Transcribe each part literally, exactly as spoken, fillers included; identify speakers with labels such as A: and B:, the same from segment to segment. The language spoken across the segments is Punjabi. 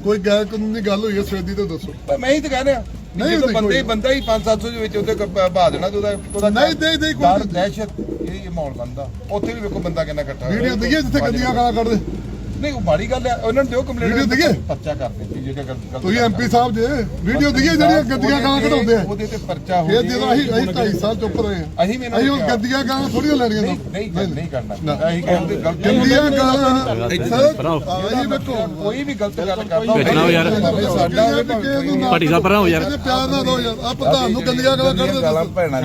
A: ਕੋਈ ਗੈਰ ਕਾਨੂੰਨੀ ਗੱਲ ਹੋਈ ਹੈ ਸਵੇਦੀ ਤੇ ਦੱਸੋ।
B: ਮੈਂ ਹੀ ਤਾਂ ਕਹਿ ਰਿਹਾ ਨਹੀਂ ਤਾਂ ਬੰਦੇ ਬੰਦਾ ਹੀ ਪੰਜ ਸੱਤ ਸੌ ਦੇ ਵਿੱਚ ਉਹਦੇ ਬਹਾ ਦੇਣਾ ਤੇ ਉਹਦਾ ਉਹਦਾ
A: ਨਹੀਂ ਨਹੀਂ ਨਹੀਂ
B: ਡਰ ਦਹਿਸ਼ਤ ਇਹ ਮਾਹੌਲ ਬਣਦਾ। ਉੱਥੇ ਵੀ ਵੇਖੋ ਬੰਦਾ ਕਿੰਨਾ ਇਕੱਠਾ ਹੋਇਆ।
A: ਵੀਡੀਓ ਦਈਏ ਜਿੱਥੇ ਗੰਦੀਆਂ ਗਾਲਾਂ ਕੱਢਦੇ
B: ਨਹੀਂ ਉਹ ਮਾੜੀ ਗੱਲ ਹੈ ਉਹਨਾਂ ਨੂੰ ਦਿਓ ਕੰਪਲੇਂਟ
A: ਵੀਡੀਓ ਦਈਏ
B: ਪਰਚਾ ਕਰਦੇ ਸੀ ਜੇ ਗੱਲ
A: ਤੁਸੀਂ ਐਮਪੀ ਸਾਹਿਬ ਜੇ ਵੀਡੀਓ ਦਈਏ ਜਿਹੜੀਆਂ ਗੰਦੀਆਂ ਗਾਲਾਂ ਕਢਾਉਂਦੇ ਆ
B: ਉਹਦੇ ਤੇ ਪਰਚਾ ਹੋ
A: ਇਹ ਜਦੋਂ ਅਸੀਂ ਅਸੀਂ ਢਾਈ ਸਾਲ ਚੁੱਪ ਰਹੇ ਆ
B: ਅਸੀਂ ਵੀ
A: ਅਸੀਂ ਉਹ ਗੰਦੀਆਂ ਗਾਲਾਂ ਥੋੜੀਆਂ ਲੈਣੀਆਂ
B: ਨਹੀਂ ਨਹੀਂ ਨਹੀਂ ਕਰਨਾ ਅਸੀਂ ਕਹਿੰਦੇ ਗਲਤ
A: ਗੰਦੀਆਂ ਗਾਲਾਂ ਅਸੀਂ ਵੇਖੋ
B: ਕੋਈ ਵੀ ਗਲਤ ਗੱਲ ਕਰਦਾ
C: ਵੇਚਣਾ ਹੋ ਯਾਰ
A: ਸਾਡਾ
C: ਪਾਰਟੀ ਸਾਹਿਬ ਪਰਾਂ ਹੋ ਯਾਰ
A: ਇਹਦੇ ਪਿਆਰ ਨਾਲ ਦੋ ਯਾਰ ਆ ਪ੍ਰਧਾਨ ਨੂੰ ਗੰਦੀਆਂ ਗਾਲਾਂ ਕੱਢਦੇ
B: ਗਾਲਾਂ ਭੈਣਾਂ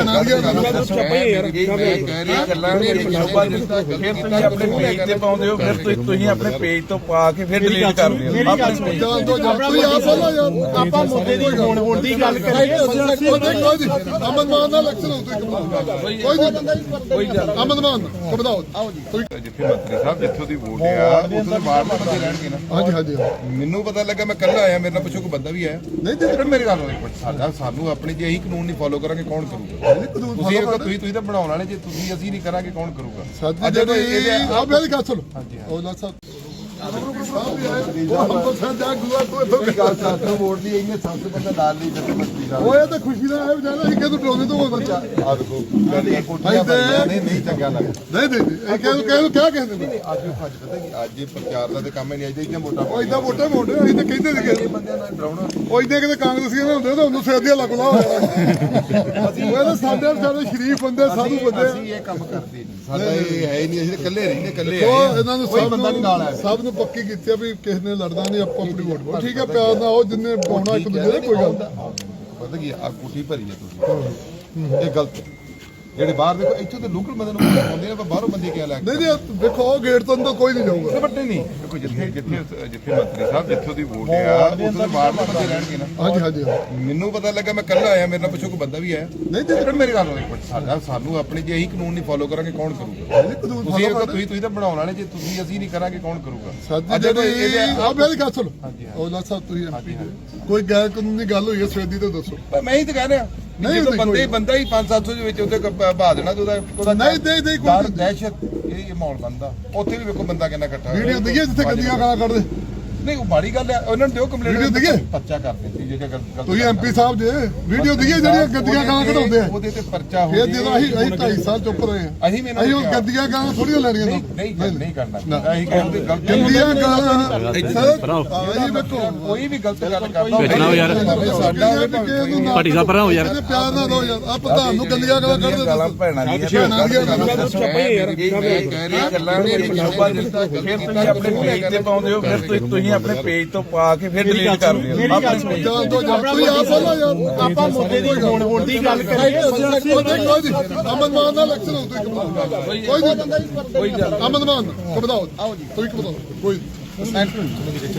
B: ਦੀਆਂ ਗੱਲਾਂ ਸ਼ੋਭਾ ਦਿੱਤਾ ਫਿਰ ਤੁਸੀਂ ਆਪਣੇ ਪੇਜ ਤੇ ਪਾਉਂਦੇ ਹੋ ਫਿਰ ਤੁਸੀਂ ਆਪਣੇ ਪੇਜ ਤੋਂ ਪਾ ਕੇ ਫਿਰ ਡਿਲੀਟ ਕਰਦੇ ਹੋ ਆਪਣੇ
A: ਜਾਣ ਦੋ ਜਾਣ ਤੁਸੀਂ ਆ ਬੋਲੋ ਯਾਰ
D: ਆਪਾਂ ਮੁੱਦੇ ਦੀ ਹੋਣ ਹੋਣ ਦੀ ਗੱਲ ਕਰੀਏ
A: ਅਮਨ ਮਾਨ ਦਾ ਇਲੈਕਸ਼ਨ ਹੋ ਤੁਸੀਂ ਕੋਈ ਨਹੀਂ
B: ਕੋਈ ਗੱਲ
A: ਅਮਨ ਮਾਨ ਕਬਦਾਓ ਆਓ ਜੀ
B: ਜਿੱਥੇ ਮੰਤਰੀ ਸਾਹਿਬ ਜਿੱਥੋਂ ਦੀ ਵੋਟ ਆ ਉੱਥੇ ਵਾਰਡ ਦੇ ਬੰਦੇ ਰਹਿਣਗੇ ਨਾ।
A: ਹਾਂਜੀ ਹਾਂਜੀ
B: ਮੈਨੂੰ ਪਤਾ ਲੱਗਾ ਮੈਂ ਕੱਲਾ ਆਇਆ ਮੇਰੇ ਨਾਲ ਪੁੱਛੋ ਕੋਈ ਬੰਦਾ ਵੀ ਆਇਆ
A: ਨਹੀਂ ਤੇ
B: ਫਿਰ ਮੇਰੀ ਗੱਲ ਹੋਈ ਸਾਡਾ ਸਾਨੂੰ ਆਪਣੇ ਜੇ ਇਹੀ ਕਾਨੂੰਨ ਨਹੀਂ ਫੋਲੋ ਕਰਾਂਗੇ ਕੌਣ ਕਰੂਗਾ। ਤੁਸੀਂ ਤੁਸੀਂ ਤੁਸੀਂ ਤਾਂ ਬਣਾਉਣ ਵਾਲੇ ਜੇ ਤੁਸੀਂ ਅਸੀਂ ਨਹੀਂ ਕਰਾਂਗੇ ਕੌਣ ਕਰੂਗਾ।
A: ਸਾਡੀ ਜਿਹੜੀ ਆ ਮੇਰੀ ਗੱਲ ਸੁਣੋ ਔਲਾ ਸਾਹਿਬ
B: ਵੋਟ ਦੀ ਇਹਨੇ ਸਭ ਤੋਂ ਬੰਦਾ ਨਾਲ ਨਹੀਂ ਜਿੱਥੇ ਮੰਤਰੀ ਸਾਹਿਬ
A: ਓਏ ਤਾਂ ਖੁਸ਼ੀ ਦਾ ਹੈ ਵਿਚਾਰਾ ਅਸੀਂ ਕਿਹਨੂੰ ਡਰਾਉਂਦੇ ਤੋਂ ਬੱਚਾ
B: ਆ ਦੇਖੋ ਨਹੀਂ ਨਹੀਂ ਚੰਗਾ ਲੱਗਦਾ
A: ਨਹੀਂ ਨਹੀਂ ਇਹ ਕਿਹਨੂੰ ਕਿਹਨੂੰ ਕਿਆ ਕਹਿੰਦੇ ਨੇ
B: ਅੱਜ ਅੱਜ ਪਤਾ ਕੀ ਅੱਜ ਇਹ ਪ੍ਰਚਾਰ ਦਾ ਤੇ ਕੰਮ ਹੀ ਨਹੀਂ ਅੱਜ ਇੰਨਾ ਮੋਟਾ
A: ਉਹ ਇਦਾਂ ਵੋਟਾਂ ਵੋਟੇ ਅਸੀਂ ਤਾਂ ਕਹਿੰਦੇ ਸੀਗੇ
B: ਬੰਦਿਆਂ ਨਾਲ ਡਰਾਉਣਾ
A: ਉਹ ਇਦਾਂ ਕਿਤੇ ਕਾਂਗਰਸੀਆਂ ਨਾਲ ਹੁੰਦੇ ਤਾਂ ਉਹਨੂੰ ਸਿਰਦੀਆਂ ਲੱਗ ਲਾ ਅਸੀਂ ਉਹ ਤਾਂ ਸਾਡੇ ਵਿਚਾਰੇ ਸ਼ਰੀਫ ਬੰਦੇ ਸਾਧੂ ਬੰਦੇ
B: ਅਸੀਂ ਇਹ ਕੰਮ ਕਰਦੇ ਨਹੀਂ ਸਾਡਾ ਇਹ ਹੈ ਹੀ ਨਹੀਂ ਅਸੀਂ ਇਕੱਲੇ ਰਹਿੰਦੇ ਇਕੱਲੇ
A: ਉਹ ਇਹਨਾਂ ਨੂੰ
B: ਕੋਈ
A: ਸਭ
B: ਬੰਦਾ ਨਹੀਂ ਨਾਲ ਆਇਆ
A: ਸਭ ਨੂੰ ਪੱਕੀ ਕੀਤੀ ਆ ਵੀ ਕਿਸੇ ਨੇ ਲੜਨਾ ਨਹੀਂ ਆਪਾਂ ਆਪਣੀ ਵੋਟ ਪਾਓ ਠੀਕ ਹੈ ਪਿਆਰ ਨਾਲ ਉਹ ਜਿੰਨੇ ਪਾਉਣਾ ਇੱਕ ਦੂਜੇ ਦੇ ਕੋਈ ਗੱਲ
B: ਪਤਾ ਕੀ ਆ ਕੁੱਠੀ ਭਰੀ ਹੈ ਤੁਸੀਂ ਇਹ ਗਲਤ ਜਿਹੜੇ ਬਾਹਰ ਦੇਖੋ ਇੱਥੇ ਤਾਂ ਲੋਕਲ ਬੰਦੇ ਨੂੰ ਆਉਂਦੇ ਆ ਪਰ ਬਾਹਰੋਂ ਬੰਦੇ ਕਿਆ ਲੈ
A: ਨਹੀਂ ਨਹੀਂ ਦੇਖੋ ਉਹ ਗੇਟ ਤੋਂ ਅੰਦਰ ਕੋਈ ਨਹੀਂ ਜਾਊਗਾ
B: ਵੱਡੇ ਨਹੀਂ ਦੇਖੋ ਜਿੱਥੇ ਜਿੱਥੇ ਜਿੱਥੇ ਮੰਤਰੀ ਸਾਹਿਬ ਜਿੱਥੋਂ ਦੀ ਵੋਟ ਆ ਉੱਥੇ ਤਾਂ ਵਾਰਡ ਦੇ ਬੰਦੇ ਰਹਿਣਗੇ ਨਾ।
A: ਹਾਂਜੀ ਹਾਂਜੀ
B: ਮੈਨੂੰ ਪਤਾ ਲੱਗਾ ਮੈਂ ਕੱਲਾ ਆਇਆ ਮੇਰੇ ਨਾਲ ਪੁੱਛੋ ਕੋਈ ਬੰਦਾ ਵੀ ਆਇਆ
A: ਨਹੀਂ ਤੇ
B: ਫਿਰ ਮੇਰੀ ਗੱਲ ਹੋਈ ਸਾਡਾ ਸਾਨੂੰ ਆਪਣੇ ਜੇ ਇਹੀ ਕਾਨੂੰਨ ਨਹੀਂ ਫੋਲੋ ਕਰਾਂਗੇ ਕੌਣ ਕਰੂਗਾ। ਤੁਸੀਂ ਤੁਸੀਂ ਤੁਸੀਂ ਤਾਂ ਬਣਾਉਣ ਵਾਲੇ ਜੇ ਤੁਸੀਂ ਅਸੀਂ ਨਹੀਂ ਕਰਾਂਗੇ ਕੌਣ ਕਰੂਗਾ।
A: ਸਾਡੀ ਜਿਹੜੀ ਆ ਮੇਰੀ ਗੱਲ ਸੁਣੋ ਔਲਾ ਸਾਹਿਬ ਤੁਸੀਂ ਐਮਪੀ ਕੋਈ ਗੈਰ ਕਾਨੂੰਨੀ ਗੱਲ ਹੋਈ ਹੈ ਸਵੇਦੀ ਤੇ ਦੱਸੋ।
B: ਮੈਂ ਹੀ ਤਾਂ ਕਹਿ ਰਿਹਾ ਨਹੀਂ ਬੰਦੇ ਬੰਦਾ ਹੀ ਪੰਜ ਸੱਤ ਸੌ ਦੇ ਵਿੱਚ ਉਹਦੇ ਬਹਾ ਦੇਣਾ ਤੇ ਉਹਦਾ ਉਹਦਾ
A: ਨਹੀਂ ਨਹੀਂ ਨਹੀਂ
B: ਡਰ ਦਹਿਸ਼ਤ ਇਹ ਮਾਹੌਲ ਬਣਦਾ। ਉੱਥੇ ਵੀ ਵੇਖੋ ਬੰਦਾ ਕਿੰਨਾ ਇਕੱਠਾ ਹੋਇਆ।
A: ਵੀਡੀਓ ਦਈਏ ਜਿੱਥੇ ਗੰਦੀਆਂ ਗਾਲਾਂ ਕੱਢਦੇ
B: ਨਹੀਂ ਉਹ ਮਾੜੀ ਗੱਲ ਹੈ ਉਹਨਾਂ ਨੂੰ ਦਿਓ ਕੰਪਲੇਂਟ
A: ਵੀਡੀਓ ਦਈਏ
B: ਪਰਚਾ ਕਰਦੇ ਸੀ ਜੇ ਗੱਲ
A: ਤੁਸੀਂ ਐਮਪੀ ਸਾਹਿਬ ਜੇ ਵੀਡੀਓ ਦਈਏ ਜਿਹੜੀਆਂ ਗੰਦੀਆਂ ਗਾਲਾਂ ਕਢਾਉਂਦੇ ਆ
B: ਉਹਦੇ ਤੇ ਪਰਚਾ ਹੋ
A: ਇਹ ਜਦੋਂ ਅਸੀਂ ਅਸੀਂ ਢਾਈ ਸਾਲ ਚੁੱਪ ਰਹੇ ਆ
B: ਅਸੀਂ
A: ਅਸੀਂ ਉਹ ਗੰਦੀਆਂ ਗਾਲਾਂ ਥੋੜੀਆਂ ਲੈਣੀਆਂ
B: ਨਹੀਂ ਨਹੀਂ ਕਰਨਾ ਅਸੀਂ ਕਹਿੰਦੇ ਗਲਤ
A: ਗੰਦੀਆਂ ਗਾਲਾਂ ਅਸੀਂ ਵੇਖੋ
B: ਕੋਈ ਵੀ ਗਲਤ ਗੱਲ ਕਰਦਾ
C: ਵੇਚਣਾ ਹੋ ਯਾਰ
B: ਸਾਡਾ
C: ਪਾਰਟੀ ਸਾਹਿਬ ਪਰਾਂ ਹੋ ਯਾਰ
A: ਇਹਦੇ ਪਿਆਰ ਨਾਲ ਦੋ ਯਾਰ ਆ ਪ੍ਰਧਾਨ ਨੂੰ ਗੰਦੀਆਂ ਗਾਲਾਂ ਕੱਢਦੇ
B: ਗਾਲਾਂ ਭੈਣਾਂ ਦੀਆਂ
A: ਭੈਣਾਂ ਦੀਆਂ ਗਾਲਾਂ
B: ਗੱਲਾਂ ਸ਼ੋਭਾ ਦਿੱਤਾ ਫਿਰ ਤੁਸੀਂ ਆਪਣੇ ਪੇਜ ਤੇ ਪਾਉਂਦੇ ਹੋ ਫਿਰ ਤੁਸੀਂ ਆਪਣੇ ਪੇਜ ਤੋਂ ਪਾ ਕੇ ਫਿਰ ਡਿਲੀਟ ਕਰਦੇ ਹੋ ਆਪਣੇ
A: ਜਾਣ ਦੋ ਜਾਣ ਤੁਸੀਂ ਆ ਬੋਲੋ ਯਾਰ
D: ਆਪਾਂ ਮੁੱਦੇ ਦੀ ਹੋਣ ਹੋਣ ਦੀ ਗੱਲ ਕਰੀਏ
A: ਅਮਨ ਮਾਨ ਦਾ ਇਲੈਕਸ਼ਨ ਹੋ ਤੁਸੀਂ ਕੋਈ ਨਹੀਂ
B: ਕੋਈ ਗੱਲ
A: ਅਮਨ ਮਾਨ ਕਬਦਾਓ ਆਓ ਜੀ ਤੁਸੀਂ ਕਬਦਾਓ ਕੋਈ